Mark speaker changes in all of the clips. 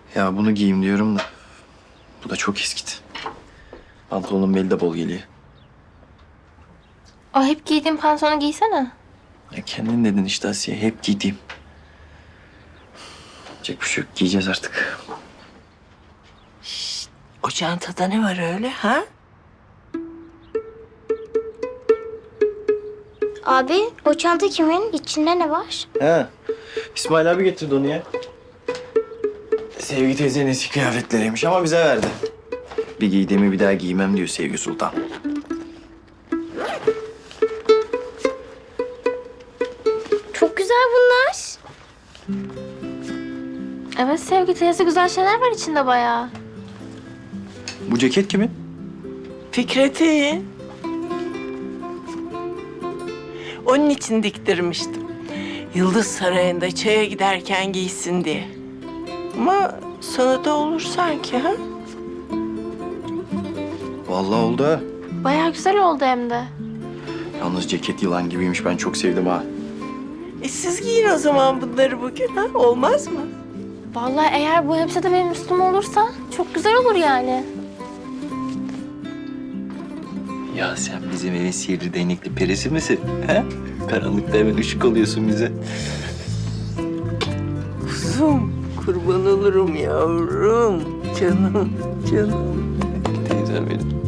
Speaker 1: Ya bunu giyeyim diyorum da bu da çok eskidi. Pantolonun beli de bol geliyor.
Speaker 2: O hep giydiğin pantolonu giysene.
Speaker 1: Ya kendin dedin işte Asiye, hep giydiğim. Yapacak bir şey yok, giyeceğiz artık.
Speaker 3: O çantada ne var öyle ha?
Speaker 4: Abi o çanta kimin? İçinde ne var?
Speaker 1: He, İsmail abi getirdi onu ya. Sevgi teyzenin eski kıyafetleriymiş ama bize verdi. Bir giydiğimi bir daha giymem diyor Sevgi Sultan.
Speaker 4: Çok güzel bunlar.
Speaker 2: Evet Sevgi teyze, güzel şeyler var içinde bayağı.
Speaker 1: Bu ceket kimin?
Speaker 3: Fikret'i. Onun için diktirmiştim. Yıldız Sarayı'nda çaya giderken giysin diye. Ama sana da olur sanki ha?
Speaker 1: Vallahi oldu ha.
Speaker 2: Bayağı güzel oldu hem de.
Speaker 1: Yalnız ceket yılan gibiymiş, ben çok sevdim ha.
Speaker 3: Siz giyin o zaman bunları bugün ha? Olmaz mı?
Speaker 2: Vallahi eğer bu elbise de benim üstüme olursa çok güzel olur yani.
Speaker 1: Ya sen bizim evin sihirli değnekli perisi misin? He? Karanlıkta hemen ışık oluyorsun bize.
Speaker 3: Kuzum, kurban olurum yavrum. Canım, canım.
Speaker 1: Teyzem benim.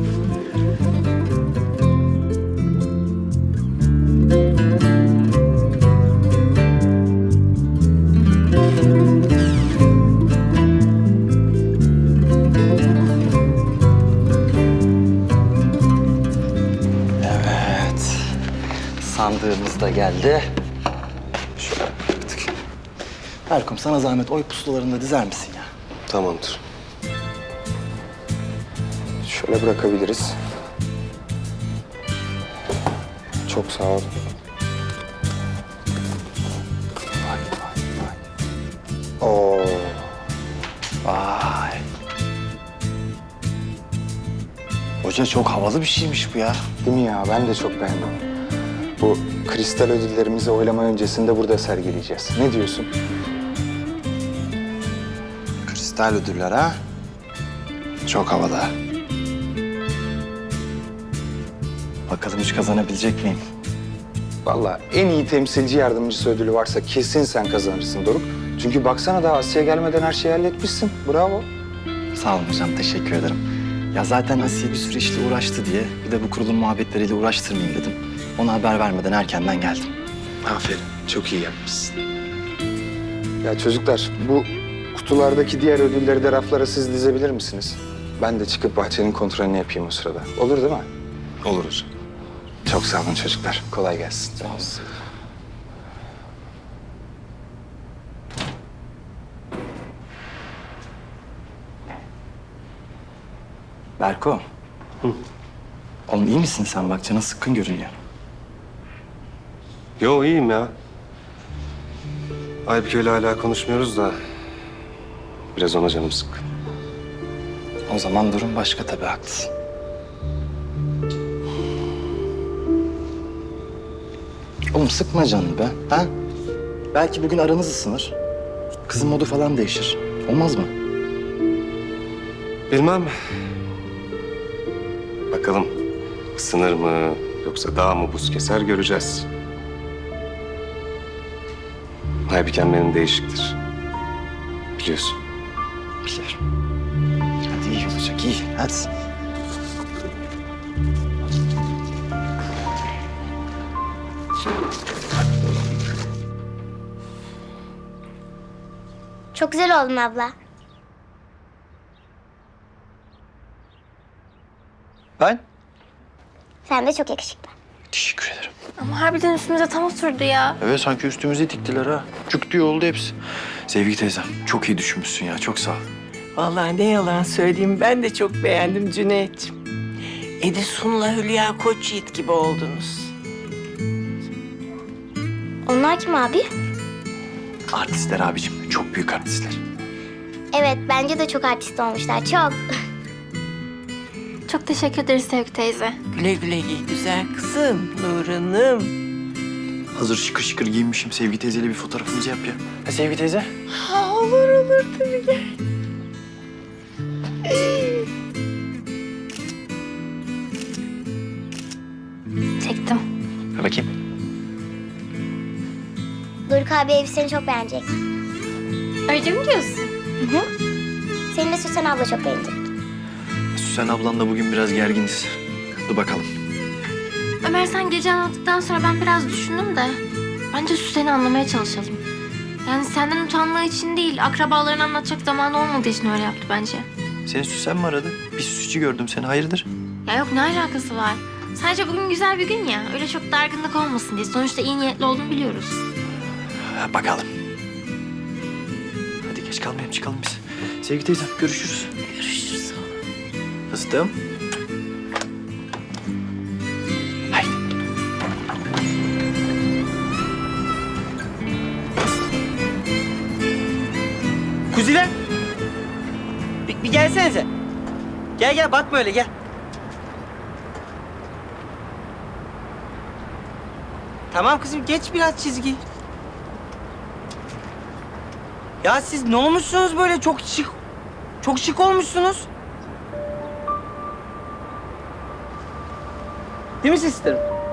Speaker 1: Evet. Sandığımız da geldi. Şöyle baktık. Erkum, sana zahmet oy pusulalarında dizer misin ya?
Speaker 5: Tamamdır. Şöyle bırakabiliriz. Çok sağ ol.
Speaker 1: Vay vay vay.
Speaker 5: Oo,
Speaker 1: Vay. Hoca çok havalı bir şeymiş bu ya.
Speaker 5: değil mi ya? Ben de çok beğendim. Bu kristal ödüllerimizi oylama öncesinde burada sergileyeceğiz. Ne diyorsun?
Speaker 1: Kristal ödüller ha? Çok havada. Bakalım hiç kazanabilecek miyim?
Speaker 5: Vallahi en iyi temsilci yardımcısı ödülü varsa kesin sen kazanırsın Doruk. Çünkü baksana daha Asya gelmeden her şeyi halletmişsin. Bravo.
Speaker 1: Sağ olun hocam, teşekkür ederim. Ya zaten Asiye bir sürü işle uğraştı diye bir de bu kurulun muhabbetleriyle uğraştırmayayım dedim. Ona haber vermeden erkenden geldim.
Speaker 5: Aferin. Çok iyi yapmışsın. Ya çocuklar, bu kutulardaki diğer ödülleri de raflara siz dizebilir misiniz? Ben de çıkıp bahçenin kontrolünü yapayım o sırada. Olur değil mi? Olur hocam. Çok sağ olun çocuklar. Kolay gelsin.
Speaker 1: Sağ olsun. Berko. Oğlum iyi misin sen? Bak canın sıkkın görünüyor.
Speaker 6: Yo iyiyim ya. Aybüke ile hala konuşmuyoruz da biraz ona canım sıkkın.
Speaker 1: O zaman durum başka tabii, haklısın. Oğlum sıkma canını be, ha? Belki bugün aranız ısınır. Kızın modu falan değişir. Olmaz mı?
Speaker 6: Bilmem. Bakalım ısınır mı yoksa daha mı buz keser göreceğiz. Aybüken benim değişiktir. Biliyorsun.
Speaker 1: Biliyorum. Hadi iyi olacak, iyi. Hadi.
Speaker 4: Çok güzel oldun abla.
Speaker 1: Ben?
Speaker 4: Sen de çok yakışıklı.
Speaker 1: Teşekkür ederim.
Speaker 2: Ama harbiden üstümüze tam oturdu ya.
Speaker 1: Evet, sanki üstümüze diktiler ha. Cuk diye oldu hepsi. Sevgi teyzem, çok iyi düşünmüşsün ya. Çok sağ ol.
Speaker 3: Vallahi ne yalan söyleyeyim, ben de çok beğendim Cüneyt'ciğim. Edison'la Hülya Koçyiğit gibi oldunuz.
Speaker 4: Onlar kim abi?
Speaker 1: Artistler abicim, çok büyük artistler.
Speaker 4: Evet bence de çok artist olmuşlar. Çok.
Speaker 2: Çok teşekkür ederiz Sevgi teyze.
Speaker 3: Güle güle giy güzel kızım, Nurhan'ım.
Speaker 1: Hazır şıkır şıkır giyinmişim. Sevgi teyzeyle bir fotoğrafımızı yap ya. Ha Sevgi teyze?
Speaker 3: Ha, olur tabii gel.
Speaker 2: Çektim.
Speaker 1: Ha bakayım.
Speaker 4: Doruk abi elbiseni çok beğenecek.
Speaker 2: Öyle mi diyorsun?
Speaker 4: Senin de Süsen abla çok beğenecek.
Speaker 1: Süsen ablanla bugün biraz gerginiz. Dur bakalım.
Speaker 2: Ömer sen gece anlattıktan sonra ben biraz düşündüm de. Bence Süsen'i anlamaya çalışalım. Yani senden utandığı için değil, akrabalarını anlatacak zamanı olmadığı için öyle yaptı bence.
Speaker 1: Senin Süsen mi aradı? Bir süsçü gördüm seni. Hayırdır?
Speaker 2: Ya yok ne alakası var? Sadece bugün güzel bir gün ya. Öyle çok dargınlık olmasın diye. Sonuçta iyi niyetli olduğunu biliyoruz.
Speaker 1: Ha, bakalım. Hadi geç kalmayalım çıkalım biz. Sevgi teyzem görüşürüz.
Speaker 3: Görüşürüz oğlum.
Speaker 1: Fıstığım. Haydi.
Speaker 7: Kuziler. Bir gelsenize. Gel bakma öyle gel. Tamam kızım geç biraz çizgi. Ya siz ne olmuşsunuz böyle çok şık. Çok şık olmuşsunuz. Değil mi sisterim?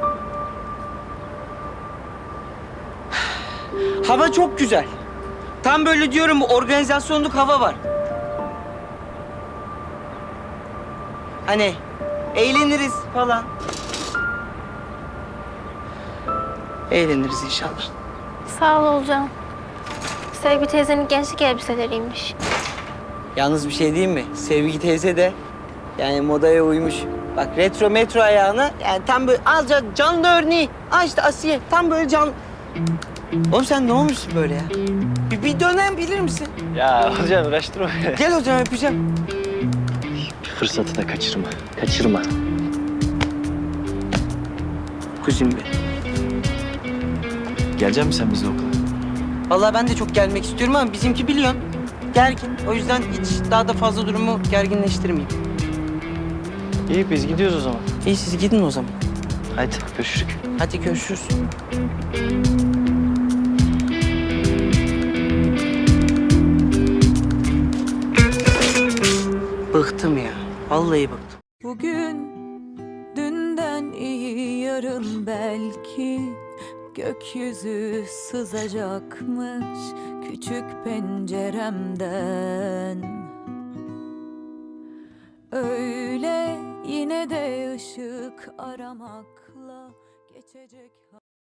Speaker 7: Hava çok güzel. Tam böyle diyorum organizasyonluk hava var. Hani eğleniriz falan. Eğleniriz inşallah.
Speaker 2: Sağ ol Olcan. Sevgi teyzenin gençlik elbiseleriymiş.
Speaker 7: Yalnız bir şey diyeyim mi? Sevgi teyze de yani modaya uymuş. Bak retro metro ayağına yani tam böyle alacak canlı örneği. İşte Asiye tam böyle can... Oğlum sen ne olmuşsun böyle ya? Bir dönem bilir misin?
Speaker 1: Ya hocam uğraştırma.
Speaker 7: Gel hocam öpeceğim.
Speaker 1: Fırsatı da kaçırma. Kaçırma.
Speaker 7: Kuzim be.
Speaker 1: Gelecek misin sen bizle okula?
Speaker 7: Vallahi ben de çok gelmek istiyorum ama bizimki biliyorsun gergin. O yüzden hiç daha da fazla durumu gerginleştirmeyeyim.
Speaker 1: İyi biz gidiyoruz o zaman.
Speaker 7: İyi siz gidin o zaman.
Speaker 1: Haydi görüşürüz.
Speaker 7: Hadi görüşürüz. Bıktım ya. Vallahi bıktım.
Speaker 8: Bugün dünden iyi yarın belki gökyüzü sızacakmış küçük penceremden. Öyle yine de ışık aramakla geçecek.